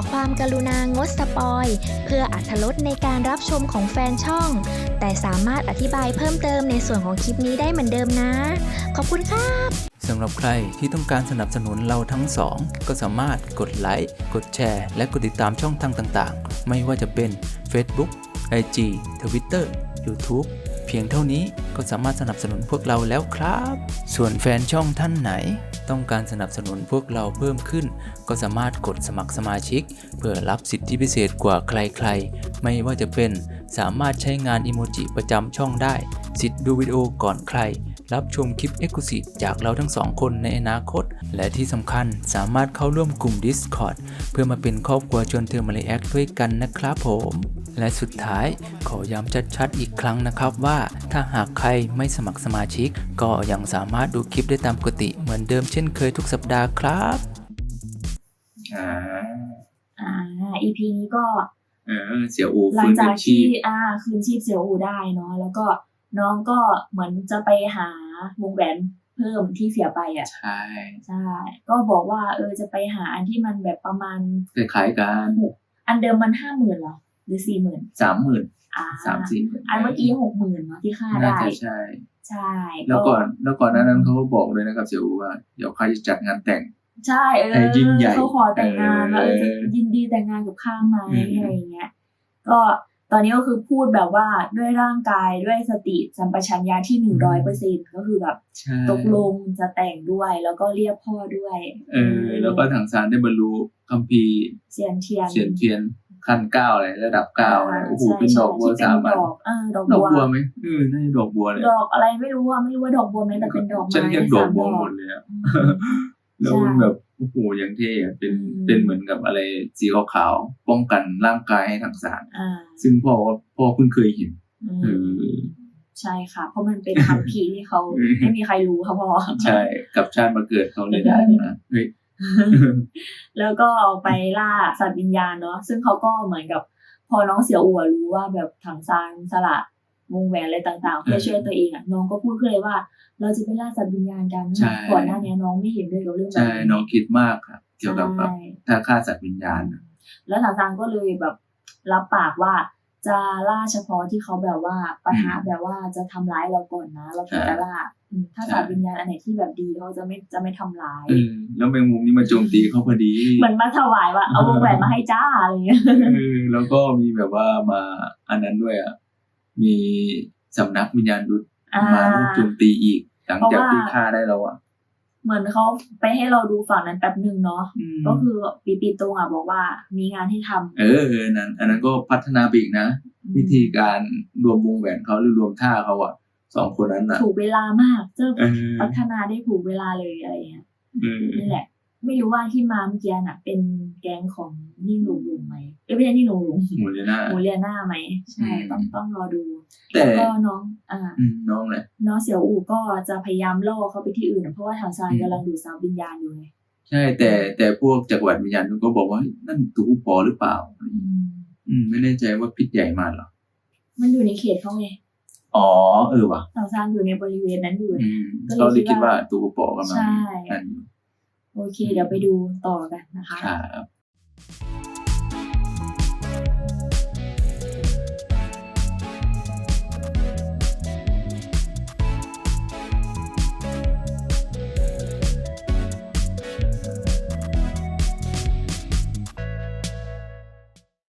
ความกรุณางดสปอยเพื่ออรรถรสในการรับชมของแฟนช่องแต่สามารถอธิบายเพิ่มเติมในส่วนของคลิปนี้ได้เหมือนเดิมนะขอบคุณครับสำหรับใครที่ต้องการสนับสนุนเราทั้งสองก็สามารถกดไลค์กดแชร์และกดติดตามช่องทางต่างๆไม่ว่าจะเป็น Facebook IG Twitter YouTube เพียงเท่านี้ก็สามารถสนับสนุนพวกเราแล้วครับส่วนแฟนช่องท่านไหนต้องการสนับสนุนพวกเราเพิ่มขึ้นก็สามารถกดสมัครสมาชิกเพื่อรับสิทธิพิเศษกว่าใครๆไม่ว่าจะเป็นสามารถใช้งานอิโมจิประจำช่องได้สิทธิ์ดูวิดีโอก่อนใครรับชมคลิป Exclusive จากเราทั้งสองคนในอนาคตและที่สำคัญสามารถเข้าร่วมกลุ่ม Discord เพื่อมาเป็นครอบครัวชวนเธอมาเลแอคด้วยกันนะครับผมและสุดท้ายขอย้ำชัดๆอีกครั้งนะครับว่าถ้าหากใครไม่สมัครสมาชิกก็ยังสามารถดูคลิปได้ตามปกติเหมือนเดิมเช่นเคยทุกสัปดาห์ครับ EP นี้ก็เสี่ยวอูหลังจากที่คืนชีพเสี่ยวอูได้เนาะแล้วก็น้องก็เหมือนจะไปหาวงแหวนเพิ่มที่เสียไปใช่ก็บอกว่าจะไปหาอันที่มันแบบประมาณคล้ายๆกันอันเดิมมัน 50,000 เหรอหรือ 40,000 30,000 30,000 อันเมื่อกี้ 60,000 เนาะที่ค่าได้ใช่แล้วก่อนนั้นเขาก็บอกเลยนะครับเสี่ยวอูว่าเดี๋ยวเขาจะจัดงานแต่งใช่ยิ่งใหญ่เขาขอแต่งงานแล้วจะยินดีแต่งงานกับข้าไหมอะไรอย่างเงี้ยก็ตอนนี้ก็คือพูดแบบว่าด้วยร่างกายด้วยสติสัมปชัญญะที่ 100% ก็คือแบบตกลงจะแต่งด้วยแล้วก็เรียกพ่อด้วยแล้วก็ถังซานได้บรรลุคัมภีร์เซียนเทียนขั้น9อะไรระดับ9อะไรโอ้โหเป็นดอกบัว3อันดอกบัวมั้ยน่าจะดอกบัวเลยดอกอะไรไม่รู้ว่าดอกบัวมั้ยแต่เป็นดอกไม้ฉันเรียกดอกบัวหมดเลยแล้วมันแบบโอ้โหอย่างเท่เป็นเหมือนกับอะไรสีขาวๆป้องกันร่างกายให้ถังซานซึ่งพ่อเพิ่งเคยเห็นใช่ค่ะเพราะมันเป็นคัมภีร์ที่เขาไม่มีใครรู้ค่ะพ่อใช่กับชาติมาเกิดเขาเลยได้นะเฮ้ยแล้วก็ไปล่าสัตว์วิญญาณเนาะซึ่งเขาก็เหมือนกับพอน้องเสี่ยวอู๋รู้ว่าแบบถังซานสละวงแหวนอะไรต่างๆเพื่อช่วยตัวเองน้องก็พูดขึ้นเลยว่าเราจะไปล่าสัตว์วิญญาณกันก่อนหน้านี้น้องไม่เห็นด้วยกับเรื่องแบบนี้ใช่น้องคิดมากครับเกี่ยวกับถ้าฆ่าสัตว์วิญญาณแล้วถังซานก็เลยแบบรับปากว่าจะล่าเฉพาะที่เขาแบบว่าปะทะแบบว่าจะทำร้ายเราก่อนนะเราถึงจะล่าถ้าสัตว์วิญญาณอันไหนที่แบบดีเขาจะไม่ทำร้ายแล้วแมงมุมนี่มาโจมตีเขาพอดีเหมือนมาถวายว่าเอาวงแหวนมาให้จ้าอะไรเงี้ยแล้วก็มีแบบว่ามาอันนั้นด้วยมีสำนักวิญญาณยุทธมาโจมตีอีกหลังจากที่ฆ่าได้แล้วเหมือนเขาไปให้เราดูฝั่งนั้นแป๊บนึงเนาะก็คือปีตรงบอกว่ามีงานให้ทำอันนั้นก็พัฒนาไปอีกนะวิธีการรวมวงแหวนเขาหรือรวมท่าเขา2คนนั้นถูกเวลามากจะพัฒนาได้ถูกเวลาเลยอะไรเงี้ยนี่แหละไม่รู้ว่าที่มาเมื่อกี้น่ะเป็นแก๊งของนิ่งหลุงไหมไม่ใช่นิ่งหลุงหมูเลียน่าไหมใช่ต้องรอดูแต่ก็น้องแหละน้องเสี่ยวอู่ก็จะพยายามล่อเขาไปที่อื่นเพราะว่าถังซานกำลังดูดซับวิญญาณอยู่ไงใช่แต่พวกจักรวรรดิวิญญาณก็บอกว่านั่นตูปอหรือเปล่าไม่แน่ใจว่าพิษใหญ่มากหรอมันอยู่ในเขตเขาไงว่ะถังซานอยู่ในบริเวณนั้นอยู่ก็เลยคิดว่าตูปอกำลังใช่โอเคเดี๋ยวไปดูต่อกันนะคะครับ